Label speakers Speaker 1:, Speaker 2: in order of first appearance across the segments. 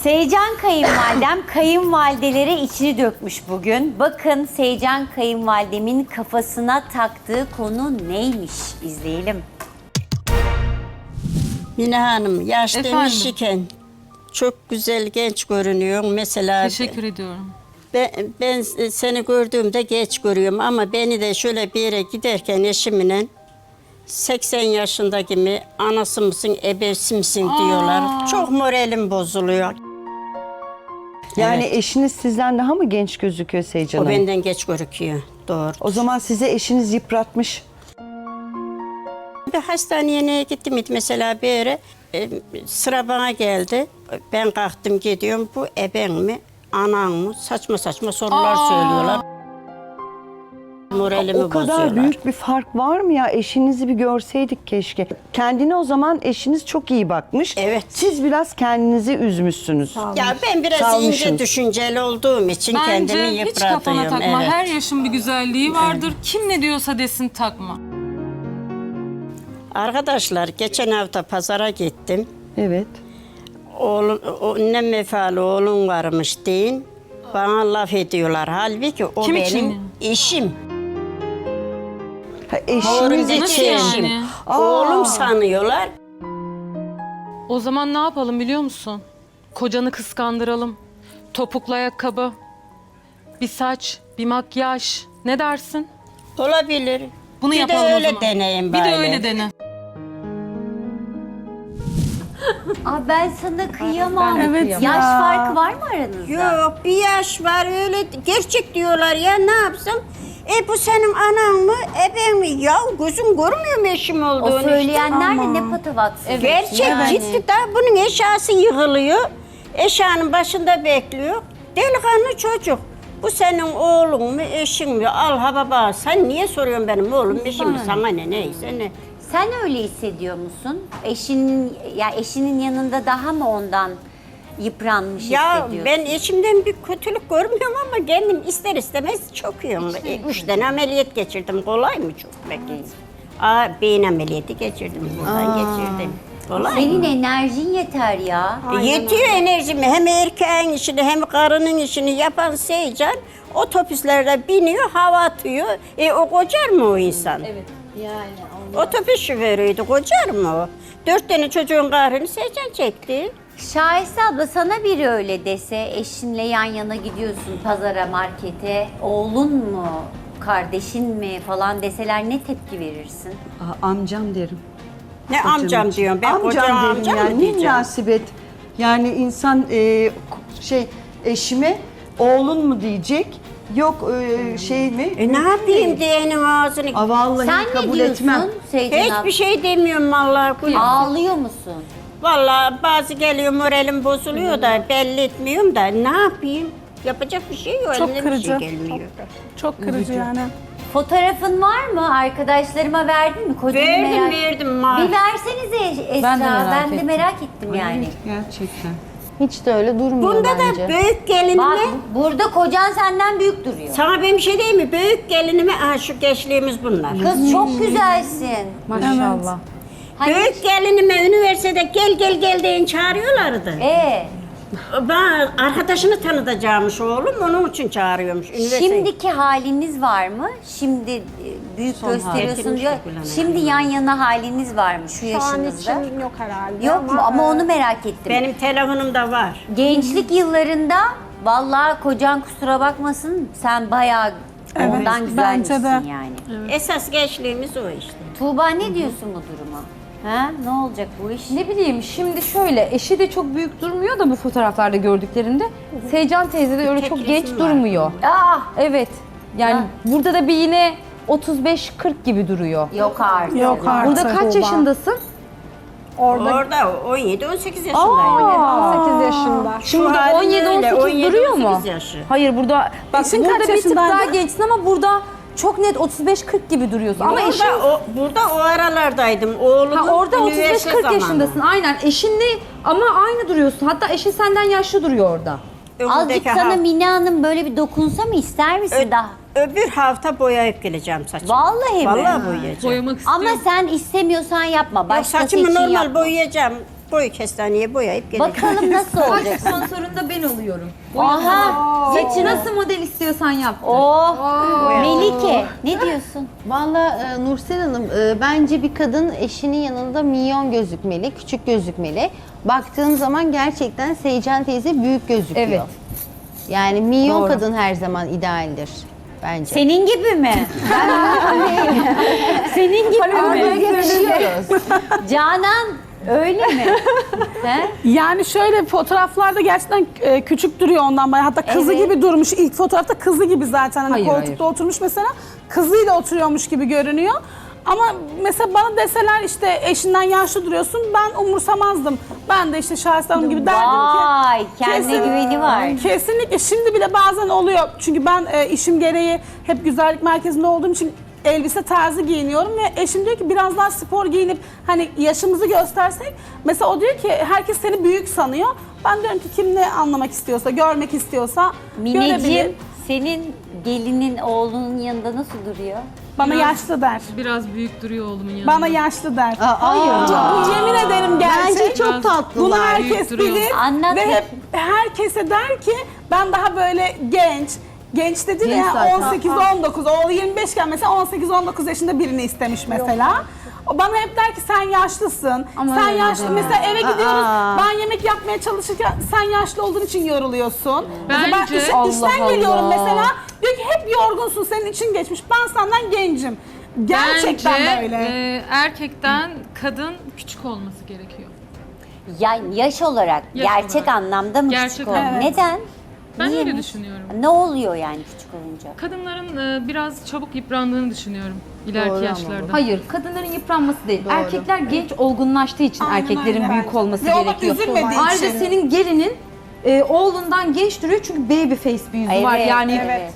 Speaker 1: Seycan kayınvalidem kayınvalidelere içini dökmüş bugün. Bakın Seycan kayınvalidemin kafasına taktığı konu neymiş? İzleyelim.
Speaker 2: Mine Hanım yaş
Speaker 3: Efendim?
Speaker 2: demişken çok güzel genç görünüyorsun. Mesela
Speaker 3: Teşekkür ediyorum.
Speaker 2: ben seni gördüğümde geç görüyorum ama beni de şöyle bir yere giderken eşimle 80 yaşındaki mi anası mısın ebesi misin diyorlar. Çok moralim bozuluyor.
Speaker 4: Yani
Speaker 2: Evet.
Speaker 4: eşiniz sizden daha mı genç gözüküyor Seycan
Speaker 2: O
Speaker 4: Hanım?
Speaker 2: benden geç gözüküyor. Doğru.
Speaker 4: O zaman size eşiniz yıpratmış.
Speaker 2: Bir hastaneye neye gittim mesela bir yere sıra bana geldi. Ben kalktım gidiyorum. Bu eben mi? Anan mı? Saçma saçma sorular söylüyorlar. Moralimi
Speaker 4: O kadar
Speaker 2: bozuyorlar.
Speaker 4: büyük bir fark var mı ya? Eşinizi bir görseydik keşke. Kendine o zaman eşiniz çok iyi bakmış.
Speaker 2: Evet.
Speaker 4: Siz biraz kendinizi üzmüşsünüz.
Speaker 2: Ya ben biraz
Speaker 4: Salmışsınız.
Speaker 2: ince düşünceli olduğum için kendimi
Speaker 3: Bence hiç
Speaker 2: yıpratıyorum.
Speaker 3: kafana takma.
Speaker 2: Evet.
Speaker 3: Her yaşın bir güzelliği vardır. Kim ne diyorsa desin takma.
Speaker 2: Arkadaşlar geçen hafta pazara gittim.
Speaker 4: Evet.
Speaker 2: Ne mefalı oğlun varmış deyin. Bana laf ediyorlar. Halbuki o
Speaker 3: Kim
Speaker 2: benim
Speaker 3: için?
Speaker 2: eşim.
Speaker 4: Ha,
Speaker 2: Doğru
Speaker 4: eşiniz
Speaker 3: Nasıl
Speaker 2: için
Speaker 3: yani?
Speaker 2: eşim. Oğlum sanıyorlar.
Speaker 3: O zaman ne yapalım biliyor musun? Kocanı kıskandıralım. Topuklu ayakkabı, bir saç, bir makyaj. Ne dersin?
Speaker 2: Olabilir.
Speaker 3: Bunu
Speaker 2: bir
Speaker 3: yapalım
Speaker 2: de
Speaker 3: o
Speaker 2: öyle
Speaker 3: zaman.
Speaker 2: deneyim
Speaker 3: Bir
Speaker 2: bari.
Speaker 3: de öyle dene.
Speaker 1: Aa, ben sana kıyamam.
Speaker 5: Evet
Speaker 1: Yaş
Speaker 5: ya.
Speaker 1: farkı var mı aranızda?
Speaker 2: Yok bir yaş var öyle gerçek diyorlar ya ne yapsam? Bu senin anan mı? Ben mi? Ya gözüm görmüyor mu eşim olduğunu?
Speaker 1: O söyleyenler de
Speaker 5: Ama.
Speaker 1: ne patavatsız.
Speaker 2: Gerçek
Speaker 1: Yani.
Speaker 2: ciddi da bunun eşyası yığılıyor. Eşyanın başında bekliyor. Delikanlı çocuk. Bu senin oğlun mu, eşin mi? Al ha baba. Sen niye soruyorsun benim oğlum, eşim mi? Sana ne, neyse ne?
Speaker 1: Sen öyle hissediyor musun? Eşinin yanında daha mı ondan yıpranmış
Speaker 2: Ya
Speaker 1: hissediyorsun?
Speaker 2: ben eşimden bir kötülük görmüyorum ama kendim ister istemez çöküyorum. 3 tane ameliyat geçirdim. Kolay mı çok peki? Beyin ameliyatı geçirdim. Buradan geçirdim. Kolay
Speaker 1: Senin
Speaker 2: mı?
Speaker 1: enerjin yeter ya.
Speaker 2: Yetiyor enerjimi. Hem erkeğin işini hem karının işini yapan Seycan otobüslerde biniyor, hava atıyor. O kocar mı o insan? Evet. Yani otobüs şoförüydü, kocar mı o? 4 tane çocuğun kahrını Seycan çekti.
Speaker 1: Şahise abla sana biri öyle dese, eşinle yan yana gidiyorsun pazara, markete, oğlun mu, kardeşin mi falan deseler ne tepki verirsin?
Speaker 4: Amcam derim.
Speaker 2: Ne amcam diyorum, ben koca
Speaker 4: derim
Speaker 2: amcam
Speaker 4: yani.
Speaker 2: mı
Speaker 4: Ne
Speaker 2: diyeceğim?
Speaker 4: münasebet. Yani insan eşime oğlun mu diyecek? Yok şey mi?
Speaker 2: Ne yapayım diyenin ağzını?
Speaker 4: Vallahi
Speaker 1: Sen ne
Speaker 4: kabul
Speaker 1: diyorsun
Speaker 4: etmem.
Speaker 1: Seycan abla?
Speaker 2: Hiçbir şey demiyorum vallahi.
Speaker 1: Ağlıyor musun?
Speaker 2: Vallahi bazı geliyor moralim bozuluyor da belli etmiyorum da ne yapayım? Yapacak bir şey yok.
Speaker 5: Çok
Speaker 2: Elimden bir şey
Speaker 5: kırıcı.
Speaker 2: gelmiyor.
Speaker 5: Çok kırıcı yani.
Speaker 1: Fotoğrafın var mı? Arkadaşlarıma verdin mi? Kocanı
Speaker 2: Verdim verdim.
Speaker 1: Bir versenize Esra. Ben de merak ettim yani.
Speaker 4: Gerçekten.
Speaker 6: Hiç de öyle durmuyor
Speaker 2: Bunda
Speaker 6: bence.
Speaker 2: da büyük gelinime,
Speaker 1: Bak burada kocan senden büyük duruyor.
Speaker 2: sana ben bir şey diyeyim mi? Büyük gelinime, şu gençliğimiz bunlar.
Speaker 1: Kız çok güzelsin.
Speaker 6: Maşallah.
Speaker 1: Hani
Speaker 2: Büyük gelinime üniversitede gel deyin çağırıyorlardı. Ben arkadaşını tanıtacağımış oğlum, onun için çağırıyormuş.
Speaker 1: Şimdiki haliniz var mı? Şimdi büyük gösteriyorsun
Speaker 2: Getirmiş
Speaker 1: diyor.
Speaker 2: de Gülhan
Speaker 1: Şimdi
Speaker 2: Hanım.
Speaker 1: yan yana haliniz var mı şu
Speaker 5: Şu an
Speaker 1: yaşınızda?
Speaker 5: için yok herhalde.
Speaker 1: Yok mu? Ama onu merak ettim.
Speaker 2: Benim telefonumda var.
Speaker 1: Gençlik yıllarında vallahi kocan kusura bakmasın sen bayağı ondan güzelmişsin
Speaker 5: bence de.
Speaker 1: yani.
Speaker 2: Esas gençliğimiz o işte.
Speaker 1: Tuğba ne diyorsun bu duruma? Ha? Ne olacak bu iş?
Speaker 6: Ne bileyim şimdi şöyle eşi de çok büyük durmuyor da bu fotoğraflarda gördüklerinde. Seycan teyze de öyle çok
Speaker 2: Tek
Speaker 6: genç
Speaker 2: resim var.
Speaker 6: durmuyor.
Speaker 1: Ah!
Speaker 6: Evet. Yani
Speaker 1: Ha.
Speaker 6: burada da bir yine 35-40 gibi duruyor.
Speaker 1: Yok artık.
Speaker 5: Yok artık.
Speaker 6: Burada kaç
Speaker 5: Tuğba.
Speaker 6: yaşındasın?
Speaker 2: Orada 17-18 yaşındayım.
Speaker 5: 18 yaşında.
Speaker 6: Şimdi
Speaker 2: Şu
Speaker 6: burada
Speaker 2: halin öyle,
Speaker 6: 17-18 duruyor mu?
Speaker 2: 17-18 yaşı.
Speaker 6: Hayır burada bak
Speaker 5: Eşin
Speaker 6: burada
Speaker 5: kaç
Speaker 6: bir tık
Speaker 5: yaşındaydı?
Speaker 6: daha gençsin ama burada çok net 35-40 gibi duruyorsun. Ama eşin
Speaker 2: Burada o aralardaydım. Oğlumun
Speaker 6: ha, orada
Speaker 2: üniversite
Speaker 6: 35-40
Speaker 2: zamanı.
Speaker 6: yaşındasın aynen. Eşinle ama aynı duruyorsun. Hatta eşin senden yaşlı duruyor orada.
Speaker 1: Azıcık
Speaker 2: Önümüzdeki
Speaker 1: sana
Speaker 2: hafta-
Speaker 1: Mine Hanım böyle bir dokunsa mı ister misin daha?
Speaker 2: Öbür hafta boyayıp geleceğim saçımı.
Speaker 1: Vallahi mi?
Speaker 2: Vallahi boyayacağım.
Speaker 3: Boyamak istiyorum.
Speaker 1: Ama sen istemiyorsan yapma.
Speaker 2: Yok,
Speaker 1: Başkası
Speaker 2: saçımı
Speaker 1: için
Speaker 2: normal
Speaker 1: yapma.
Speaker 2: boyayacağım. boy kestaneye boyayıp geleceğim.
Speaker 1: Bakalım nasıl
Speaker 6: Saç
Speaker 1: olacak.
Speaker 6: sponsorunda ben oluyorum.
Speaker 1: Aha.
Speaker 6: Saçı nasıl model istiyorsan yap.
Speaker 1: Oh. Melike ne diyorsun?
Speaker 7: Valla Nursel Hanım bence bir kadın eşinin yanında minyon gözükmeli, küçük gözükmeli. Baktığın zaman gerçekten Seycan teyze büyük gözüküyor.
Speaker 6: Evet.
Speaker 7: Yani minyon kadın her zaman idealdir bence.
Speaker 1: Senin gibi mi? Senin gibi mi?
Speaker 7: yakışıyoruz.
Speaker 1: Canan öyle mi? He?
Speaker 5: Yani şöyle fotoğraflarda gerçekten küçük duruyor ondan bayağı. Hatta kızı
Speaker 1: Evet.
Speaker 5: gibi durmuş. İlk fotoğrafta kızı gibi zaten. Hani
Speaker 6: Hayır,
Speaker 5: koltukta oturmuş mesela. Kızıyla oturuyormuş gibi görünüyor. Ama mesela bana deseler işte eşinden yaşlı duruyorsun, ben umursamazdım. Ben de işte Şahiste Hanım gibi derdim ki.
Speaker 1: Vay kendine güveni var.
Speaker 5: Kesinlikle. Şimdi bile bazen oluyor. Çünkü ben işim gereği hep güzellik merkezinde olduğum için elbise tarzı giyiniyorum ve eşim diyor ki biraz daha spor giyinip hani yaşımızı göstersek. Mesela o diyor ki herkes seni büyük sanıyor. Ben diyorum ki kim ne anlamak istiyorsa, görmek istiyorsa
Speaker 1: Mineciğim
Speaker 5: görebilir.
Speaker 1: senin gelinin oğlunun yanında nasıl duruyor?
Speaker 5: Bana yaşlı der.
Speaker 3: Biraz büyük duruyor oğlumun yanında.
Speaker 5: Bana yaşlı der.
Speaker 7: Hayır.
Speaker 5: Bu yemin ederim gerçek.
Speaker 7: Bence çok
Speaker 5: Bunu
Speaker 7: tatlılar.
Speaker 5: herkes
Speaker 3: büyük duruyor.
Speaker 5: bilir
Speaker 1: Anlat
Speaker 5: ve
Speaker 1: bir.
Speaker 5: hep herkese der ki ben daha böyle genç dedi
Speaker 7: Genç
Speaker 5: ya
Speaker 7: zaten.
Speaker 5: 18-19, oğlu 25 iken mesela 18-19 yaşında birini istemiş mesela. O bana hep der ki sen yaşlısın, sen
Speaker 6: öyle
Speaker 5: yaşlı.
Speaker 6: deme.
Speaker 5: Mesela eve gidiyoruz, ben yemek yapmaya çalışırken sen yaşlı olduğun için yoruluyorsun. Mesela ben
Speaker 3: Bence-
Speaker 5: işten geliyorum mesela, diyor ki hep yorgunsun, senin için geçmiş, ben senden gencim. Gerçekten
Speaker 3: Bence
Speaker 5: böyle.
Speaker 3: erkekten kadın küçük olması gerekiyor.
Speaker 1: Yani yaş olarak
Speaker 3: Yaş
Speaker 1: gerçek
Speaker 3: olarak.
Speaker 1: anlamda mı
Speaker 3: Gerçek
Speaker 1: küçük oluyor?
Speaker 3: olarak.
Speaker 1: Neden?
Speaker 3: Ben öyle
Speaker 1: Niyemiş?
Speaker 3: düşünüyorum.
Speaker 1: Ne oluyor yani küçük olunca?
Speaker 3: Kadınların biraz çabuk yıprandığını düşünüyorum ileriki
Speaker 7: Doğru ama
Speaker 3: yaşlarda.
Speaker 6: Hayır, kadınların yıpranması değil. Erkekler genç olgunlaştığı için
Speaker 5: Aynen
Speaker 6: erkeklerin
Speaker 5: öyle
Speaker 6: büyük
Speaker 5: bence.
Speaker 6: olması
Speaker 5: Yo, bak,
Speaker 6: gerekiyor.
Speaker 5: üzülmediği
Speaker 6: Ayrıca
Speaker 5: için.
Speaker 6: senin gelinin oğlundan genç duruyor çünkü baby face bir yüzü var.
Speaker 1: Evet,
Speaker 6: Yani
Speaker 1: evet.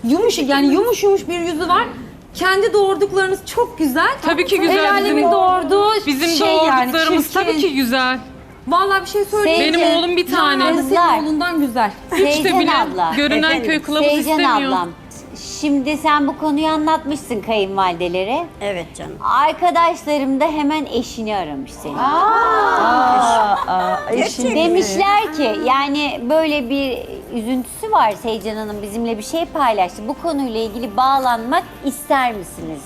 Speaker 6: yumuş bir yüzü var. Kendi doğurduklarınız çok güzel.
Speaker 3: Tabii ki güzel.
Speaker 6: El alemin
Speaker 3: Bizim-
Speaker 6: doğurduğu
Speaker 3: Bizim
Speaker 6: şey yani
Speaker 3: doğurduklarımız
Speaker 6: çirkin.
Speaker 3: tabii ki güzel.
Speaker 6: Vallahi bir şey söyleyeyim.
Speaker 1: Seyirci-
Speaker 3: Benim oğlum bir tane.
Speaker 6: Yani
Speaker 1: Kızlar.
Speaker 6: senin oğlundan güzel.
Speaker 3: Hiç de
Speaker 1: Seycan
Speaker 3: bile
Speaker 1: abla.
Speaker 3: görünen
Speaker 2: Efendim?
Speaker 3: köy kılavuz
Speaker 1: Seycan
Speaker 3: istemiyor.
Speaker 1: ablam. Şimdi sen bu konuyu anlatmışsın kayınvalidelere.
Speaker 2: Evet canım.
Speaker 1: Arkadaşlarım da hemen eşini aramış seni.
Speaker 2: Gerçek
Speaker 1: Demişler ki yani böyle bir üzüntüsü var Seycan Hanım bizimle bir şey paylaştı. Bu konuyla ilgili bağlanmak ister misiniz?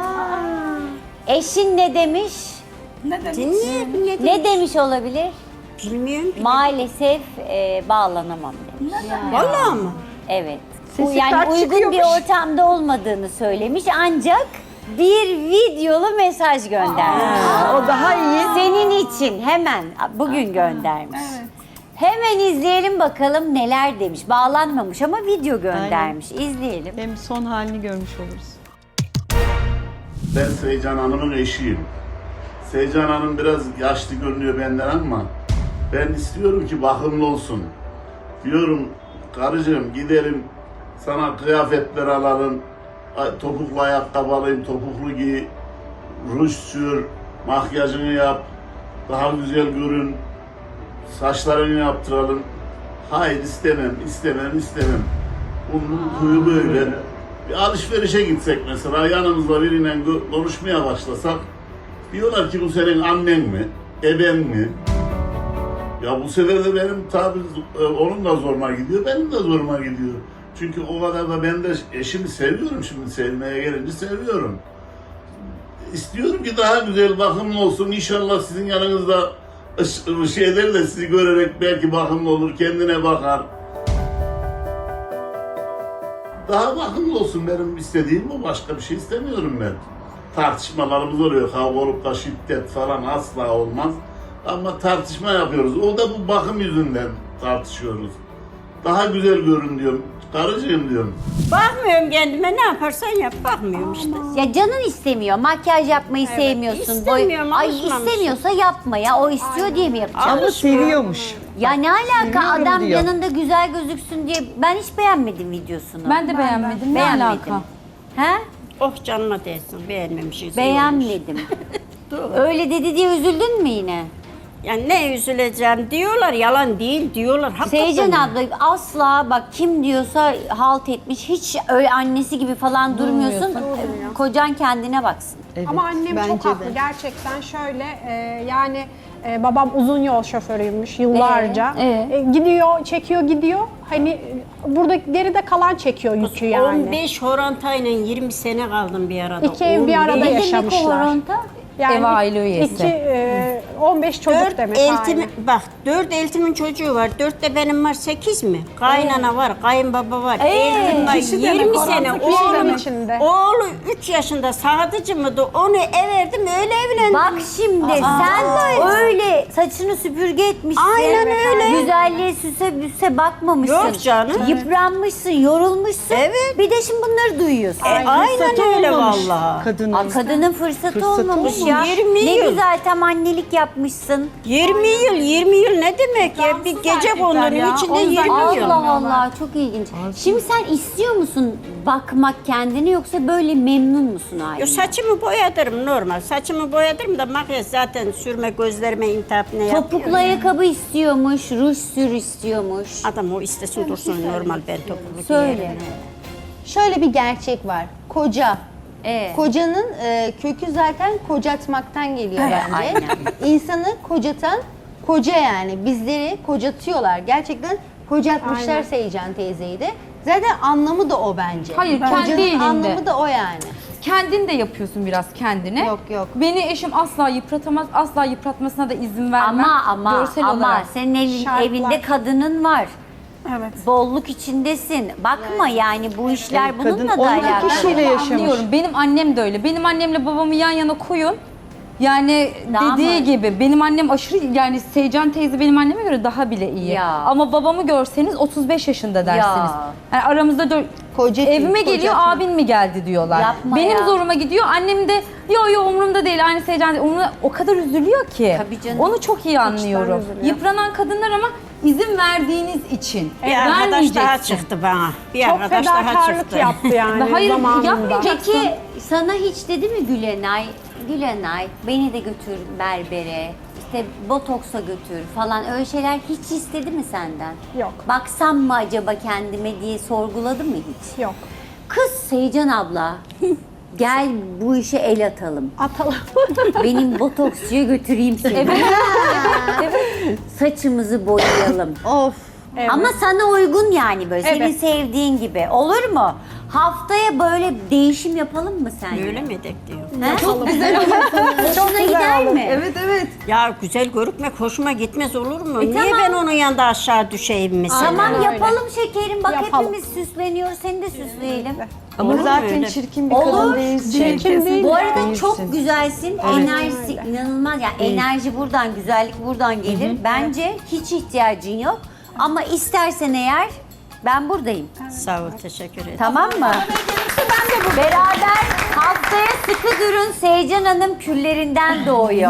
Speaker 1: Eşin ne demiş?
Speaker 2: Ne demek?
Speaker 1: Ne demiş olabilir?
Speaker 2: Bilmiyorum ki.
Speaker 1: Maalesef bağlanamam demiş.
Speaker 2: Vallahi mı?
Speaker 1: Evet.
Speaker 4: Sesi
Speaker 1: Yani
Speaker 4: kaç
Speaker 1: uygun bir
Speaker 4: çıkıyormuş?
Speaker 1: ortamda olmadığını söylemiş ancak bir videolu mesaj göndermiş.
Speaker 4: O daha iyi.
Speaker 1: Senin için hemen bugün göndermiş. Hemen izleyelim bakalım neler demiş. Bağlanmamış ama video göndermiş. İzleyelim.
Speaker 4: Hem son halini görmüş oluruz.
Speaker 8: Ben Seycan Hanım'ın eşiyim. Seycan Hanım biraz yaşlı görünüyor benden ama ben istiyorum ki bakımlı olsun. Diyorum karıcığım gidelim sana kıyafetler alalım, topuklu ayakkabı alayım, topuklu giy, ruj sür, makyajını yap, daha güzel görün, saçlarını yaptıralım. Hayır istemem. Bunun huyu böyle. Bir alışverişe gitsek mesela yanımızda biriyle konuşmaya başlasak diyorlar ki bu senin annen mi, eben mi? Ya bu sefer de benim tabii onun da zoruma gidiyor, benim de zoruma gidiyor. Çünkü o kadar da ben de eşimi seviyorum şimdi sevmeye gelince seviyorum. İstiyorum ki daha güzel bakımlı olsun. İnşallah sizin yanınızda şeyler de sizi görerek belki bakımlı olur, kendine bakar. Daha bakımlı olsun benim istediğim bu. Başka bir şey istemiyorum ben. Tartışmalarımız oluyor. Kavga olup da şiddet falan asla olmaz. Ama tartışma yapıyoruz. O da bu bakım yüzünden tartışıyoruz. Daha güzel görün diyorum. Karıcığım diyorum.
Speaker 2: Bakmıyorum kendime, ne yaparsan yap. Bakmıyorum işte.
Speaker 1: Ya canın istemiyor. Makyaj yapmayı sevmiyorsun.
Speaker 2: istemiyorum,
Speaker 1: Ay
Speaker 2: alışmamışım.
Speaker 1: istemiyorsa yapma ya. O istiyor diye mi yapacaksın?
Speaker 4: Ama seviyormuş.
Speaker 1: Ya ne alaka
Speaker 4: Seviyorum
Speaker 1: adam
Speaker 4: diyor.
Speaker 1: yanında güzel gözüksün diye. Ben hiç beğenmedim videosunu.
Speaker 6: Ben de beğenmedim. Ne
Speaker 1: beğenmedim.
Speaker 6: alaka?
Speaker 1: He?
Speaker 2: Oh canıma değsin, beğenmemişiz.
Speaker 1: Beğenmedim. Öyle dedi diye üzüldün mü yine?
Speaker 2: Yani ne üzüleceğim diyorlar, yalan değil diyorlar. Hakikaten.
Speaker 1: Seycan abla asla bak kim diyorsa halt etmiş. Hiç öyle annesi gibi falan durmuyorsun. Kocan kendine baksın.
Speaker 5: Ama annem
Speaker 7: bence
Speaker 5: çok haklı.
Speaker 7: de.
Speaker 5: Gerçekten şöyle yani
Speaker 9: Babam uzun yol şoförüymüş yıllarca. Gidiyor, çekiyor, gidiyor. Hani burada geride kalan çekiyor yükü yani.
Speaker 2: 15 horantayla 20 sene kaldım bir arada.
Speaker 9: İki ev bir arada
Speaker 2: 15.
Speaker 1: Ne demek o
Speaker 9: yaşamışlar.
Speaker 1: horonta?
Speaker 9: Yani
Speaker 6: Ev aile üyesi.
Speaker 9: 15 çocuk
Speaker 2: 4
Speaker 9: demek.
Speaker 2: eltim,
Speaker 9: aynen.
Speaker 2: bak 4 eltimin çocuğu var. 4 de benim var, 8 mi? Kaynana var, kayınbaba var. Eltim var,
Speaker 5: kişi demek,
Speaker 2: 20
Speaker 5: orantı
Speaker 2: sene.
Speaker 5: kişi demek.
Speaker 9: içinde.
Speaker 2: Oğlu 3 yaşında sadıcı mıydı? Onu verdim, öyle evlendim.
Speaker 1: Bak şimdi sen öyle saçını süpürge etmişsin.
Speaker 2: Aynen öyle.
Speaker 1: Güzelliğe süse bakmamışsın.
Speaker 2: Yok canım.
Speaker 1: Yıpranmışsın, yorulmuşsun.
Speaker 2: Evet.
Speaker 1: Bir de şimdi bunları duyuyorsun.
Speaker 2: Aynen öyle vallahi.
Speaker 1: Kadının fırsatı olmamış
Speaker 2: olmamış.
Speaker 1: ya.
Speaker 2: 20
Speaker 1: ne
Speaker 2: yıl.
Speaker 1: güzel tam annelik yapmışsın.
Speaker 2: 20 yıl ne demek ya? Bir gece konunun içinde 20 yıl.
Speaker 1: Allah Allah çok ilginç. Şimdi sen istiyor musun bakmak kendini yoksa böyle memnun musun
Speaker 2: Yo,
Speaker 1: halinden?
Speaker 2: saçımı boyadırım normal. Saçımı boyadırım da makyaj zaten sürme, gözlerime intihap ne yapıyor?
Speaker 1: Topuklu ayakkabı istiyormuş, ruj sür istiyormuş.
Speaker 2: Adam o istesin dursun normal, ben topuklu
Speaker 1: Söyle.
Speaker 2: giyerim.
Speaker 7: Şöyle bir gerçek var. Koca. Kocanın kökü zaten kocatmaktan geliyor bence.
Speaker 1: aynen.
Speaker 7: İnsanı kocatan koca yani. Bizleri kocatıyorlar. Gerçekten kocatmışlar Seycan teyzeyi de. Zaten anlamı da o bence.
Speaker 6: Hayır, kendi
Speaker 7: Kocanın
Speaker 6: elinde.
Speaker 7: anlamı da o yani.
Speaker 6: Kendin de yapıyorsun biraz kendine.
Speaker 7: Yok, yok.
Speaker 6: Beni eşim asla yıpratamaz, asla yıpratmasına da izin vermem.
Speaker 1: Ama
Speaker 6: Görsel
Speaker 1: ama
Speaker 6: olarak.
Speaker 1: senin evinde kadının var.
Speaker 5: Evet.
Speaker 1: Bolluk içindesin. Bakma yani bu işler bununla da
Speaker 4: 12
Speaker 1: alakalı.
Speaker 4: kişiyle yaşamış.
Speaker 6: Anlıyorum. Benim annem de öyle. Benim annemle babamı yan yana koyun. Yani
Speaker 1: Daha
Speaker 6: dediği
Speaker 1: mı?
Speaker 6: gibi benim annem aşırı yani Seycan teyze benim anneme göre daha bile iyi.
Speaker 1: Ya.
Speaker 6: Ama babamı görseniz 35 yaşında dersiniz.
Speaker 1: Ya.
Speaker 6: Yani aramızda
Speaker 7: Koca
Speaker 6: evime
Speaker 7: koca
Speaker 6: geliyor
Speaker 7: kim?
Speaker 6: abin mi geldi diyorlar.
Speaker 1: Yapma
Speaker 6: benim
Speaker 1: ya.
Speaker 6: zoruma gidiyor. Annem de yo umurumda değil aynı Seycan değil. Umurumda, o kadar üzülüyor ki.
Speaker 1: Tabii canım.
Speaker 6: Onu çok iyi anlıyorum.
Speaker 9: üzülüyor.
Speaker 6: Yıpranan kadınlar ama izin verdiğiniz için.
Speaker 2: Bir arkadaş daha
Speaker 6: Vermeyeceksin.
Speaker 2: çıktı bana. Bir
Speaker 9: Çok
Speaker 2: arkadaş daha
Speaker 9: fedakarlık
Speaker 2: çıktı.
Speaker 9: yaptı yani
Speaker 6: Hayır,
Speaker 9: zamanında.
Speaker 6: yapmayacak.
Speaker 1: Peki sana hiç dedi mi Gülenay? Gülenay beni de götür berbere, işte botoksa götür falan öyle şeyler hiç istedi mi senden?
Speaker 9: Yok.
Speaker 1: Baksam mı acaba kendime diye sorguladı mı hiç?
Speaker 9: Yok.
Speaker 1: Kız Seycan abla gel bu işe el atalım.
Speaker 9: Atalım.
Speaker 1: Benim botoksçuya götüreyim seni. Saçımızı boyayalım.
Speaker 7: Of.
Speaker 1: Ama sana uygun yani böyle senin
Speaker 9: Evet.
Speaker 1: sevdiğin gibi. Olur mu? Haftaya böyle değişim yapalım mı sence?
Speaker 2: Öyle mi edek diyor.
Speaker 1: He? Çok güzel olur. Hoşuna gider mi?
Speaker 6: Evet.
Speaker 2: Ya güzel görükmek hoşuma gitmez olur mu? Niye
Speaker 1: tamam.
Speaker 2: ben onun yanında aşağı düşeyim mesela?
Speaker 1: Tamam yapalım şekerim. Bak
Speaker 9: Yapalım.
Speaker 1: hepimiz süsleniyoruz. Seni de süsleyelim.
Speaker 4: Ama
Speaker 2: Olur mu
Speaker 4: zaten
Speaker 2: öyle?
Speaker 4: çirkin bir
Speaker 1: Olur.
Speaker 4: kadın değilsin.
Speaker 9: Çirkin değil.
Speaker 1: Bu arada
Speaker 4: Değilsin.
Speaker 1: çok güzelsin. Enerjisi inanılmaz. Yani enerji buradan, güzellik buradan gelir. Bence hiç ihtiyacın yok. Ama istersen eğer ben buradayım.
Speaker 2: Sağ ol, teşekkür ederim.
Speaker 1: Tamam mı? Beraber haftaya sıkı durun. Seycan Hanım küllerinden doğuyor.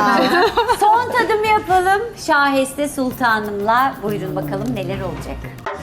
Speaker 1: Son tadım yapalım. Şahiste Sultanım'la. Buyurun bakalım neler olacak.